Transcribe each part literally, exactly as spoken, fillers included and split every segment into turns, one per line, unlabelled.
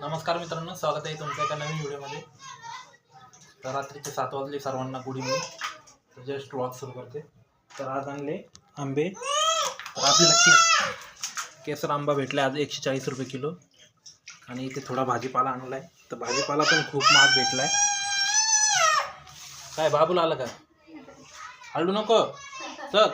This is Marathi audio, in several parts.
नमस्कार मित्रांनो, स्वागत आहे तुमच्या एका नवीन व्हिडिओमध्ये। तर रात्रीचे सात वाजले, सर्वांना गुड इव्हनिंग। तर जस्ट व्लॉग सुरू करते। तर आज आणले आंबे। तर आपल्याला केस केसर आंबा भेटला आज एकशे चाळीस रुपये किलो। आणि इथे थोडा भाजीपाला आणला आहे। तर भाजीपाला पण खूप महाग भेटला आहे। काय बाबूला आलं का? हलू नको चल।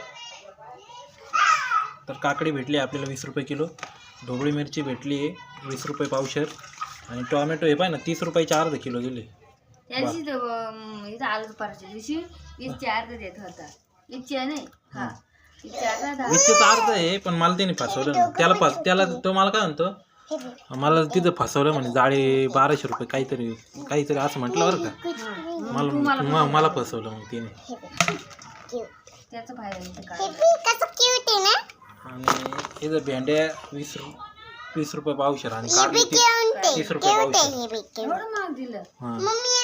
तर काकडी भेटली आपल्याला वीस रुपये किलो। ढोबळी मिरची भेटली आहे वीस रुपये पावशेर। आणि टोमॅटो हे पाय ना तीस रुपयाचे अर्धा किलो दिले।
त्याची इथं आलू पारच्या दिवशी वीसचे अर्धा देत होता। वीसचे नाही हा वीसचे अर्धा
वीसचे अर्ध आहे, पण मला त्याने फसवलं ना। त्याला फस त्याला तो मला काय म्हणतो, मला तिथं फसवलं म्हणे जाळी बाराशे रुपये काहीतरी काहीतरी असं म्हटलं बरं का। मला मला फसवलं मग तिने।
त्याचा फायदा नाही काय।
आणि इथं भेंड्या वीस वीस रुपये पावशेर आणि काकडी तीस तीस रुपये पावशेर।
एवढं महाग दिलं।
हां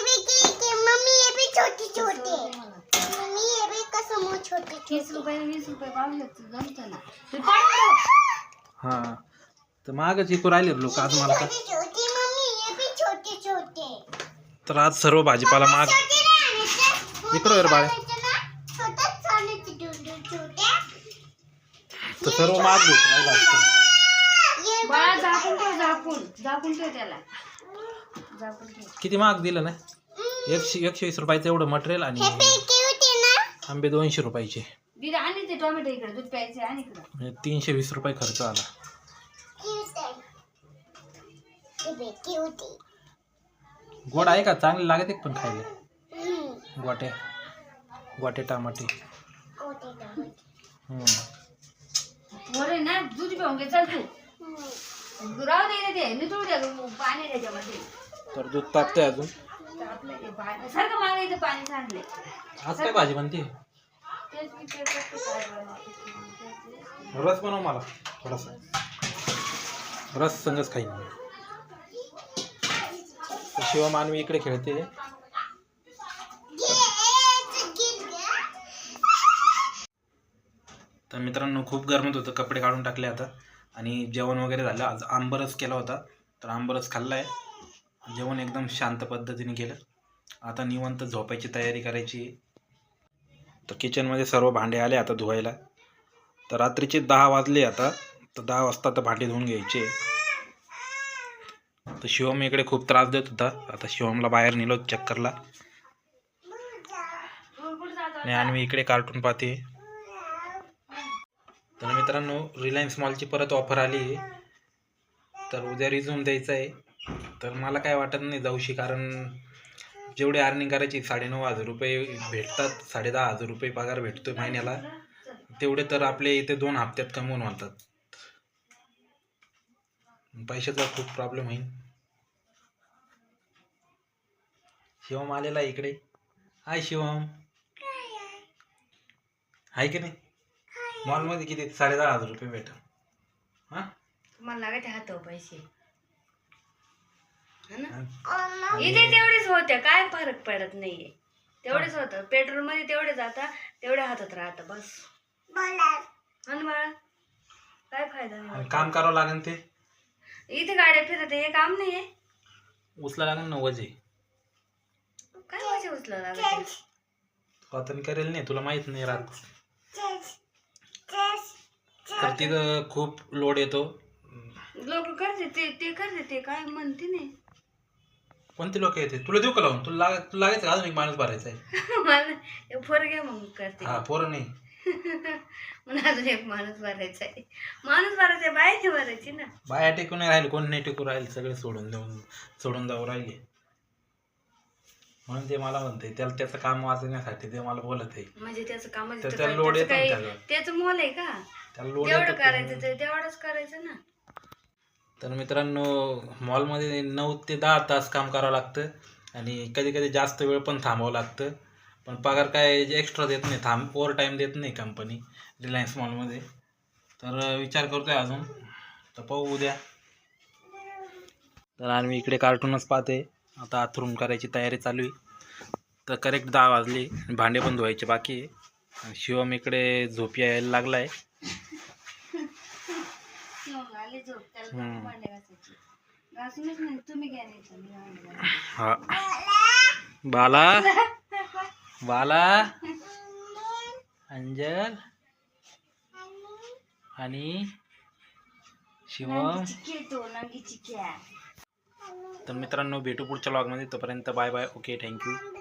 तीस रुपये वीस रुपये पावशेर जमतं ना।
हां तर महागच इकू राहिले लोक आज मला का। तर आज सर्व भाजीपाला महाग इकडं वर बाळे। तर सर्व महाग भेटून राहिलं असतं।
बाळा झाकून ठेव, झाकून झाकून ठेव त्याला, झाकून ठेव।
किती महाग दिलं ना, एकशे एकशे वीस रुपयाचं एवढं मटेरियल आणि आंबे दोनशे रुपयाचे।
दीदी आणि ते टोमॅटो इकडे दूध प्यायचे आणि इकडे
तीनशे वीस रुपये खर्च आला। गोड आहे का? चांगले लागत एक पण खायला। गोटे गोटे टमाटे
बरं ना, दूध पिऊन घे चल तू। राहू दे ते नितळू द्या पाणी त्याच्यामध्ये।
तर दूध तापते अजून।
आपलं ते पाणी सारखं मागायचं पाणी सांडले।
आज काय भाजी बनते?
तेच विचार करते काय बनवायचं।
रस बनव मला थोडासा, रस संगच खाईन। शिवा मानवी इकडे खेळते। तर मित्रांनो खूप गरमत होतं, कपडे काढून टाकले आता। आणि जेवण वगैरे झालं। आज आंबरस केला होता, तर आंबरस खाल्ला आहे। जेवण एकदम शांत पद्धतीने केलं। आता निवांत झोपायची तयारी करायची। तर किचनमध्ये सर्व भांडे आले आता धुवायला। तर रात्रीचे दहा वाजले आता, तर दहा वाजता तर भांडे धुवून घ्यायचे। तर शिवम इकडे खूप त्रास देत होता। आता शिवमला बाहेर नेलो चक्करला। आणि आणवी इकडे कार्टून पाहते। तर मित्रांनो रिलायन्स मॉलची परत ऑफर आली आहे, तर उद्या रिझ्यूम द्यायचं आहे। तर मला काय वाटत नाही जाऊशी, कारण जेवढी अर्निंग करायची साडेनऊ हजार रुपये भेटतात, साडे दहा हजार रुपये पगार भेटतो महिन्याला, तेवढे तर आपले इथे दोन हप्त्यात कमवून होतात। पैशाचा खूप प्रॉब्लेम होईल। शिवम आलेला इकडे। हाय शिवम, आहे की नाही? मॉलमध्ये किती साडे दहा हजार रुपये भेटा। हा
तुम्हाला लागायचे हात पैसे इथे तेवढेच होते, काय फरक पडत नाहीये। तेवढेच होतं पेट्रोल मध्ये, तेवढे जाता तेवढे हातात राहत बस। आणि बाळा काय फायदा नाही।
काम करावं लागेल, ते
इथे गाड्या फिरत हे काम नाहीये।
उचला लागेल ना वजे।
काय वजे उचला लागेल?
आता करेल नाही, तुला माहित नाही राहत। तर तिथं खूप लोड येतो।
लोक करते ते ते करते ते काय म्हणते नाही।
कोणते लोक येते? तुला देऊ का लावून? तुला लाग तुला लागायचं अजून एक माणूस भरायचा आहे।
मला फोर घ्या मग करते।
हा पोरं नाही
म्हणून अजून एक माणूस भरायचा आहे। माणूस भरायचा आहे, बायची भरायची ना।
बाया टेकून नाही राहिले, कोण नाही टेकून राहिले, सगळे सोडून देऊन सोडून जाऊ राहिले। म्हणून ते मला म्हणते, त्याला त्याचं काम वाचण्यासाठी ते मला बोलत आहे।
म्हणजे त्याचं काम
त्याला लोड येतो ना,
त्याचं मोल आहे का?
त्याला लोड
जेवढं करायचं ते तेवढंच करायचं ना।
तर मित्रांनो मॉलमध्ये नऊ ते दहा तास काम करावं लागतं, आणि कधी कधी जास्त वेळ पण थांबावं लागतं। पण पगार काय एक्स्ट्रा देत नाही, थांब ओव्हर टाईम देत नाही कंपनी रिलायन्स मॉलमध्ये। तर विचार करतोय अजून, तर पाहू उद्या। तर आम्ही इकडे कार्टूनच पाहते। आता आथरून करायची तयारी चालू आहे। तर करेक्ट दहा वाजले, भांडे पण धुवायचे बाकी आहे। शिवम इकडे झोप यायला लागला आहे।
आली झोप त्याला भांडे घासायची। घासूनच नाही तुम्ही घ्या नाही तर मी आणलं.
हा बाला बाला अंजल आणि शिवम.
नंगी चिक्की तो नंगी चिक्क्या.
तर मित्रांनो भेटू पुढच्या व्लॉगमध्ये. तोपर्यंत बाय बाय. Okay thank you.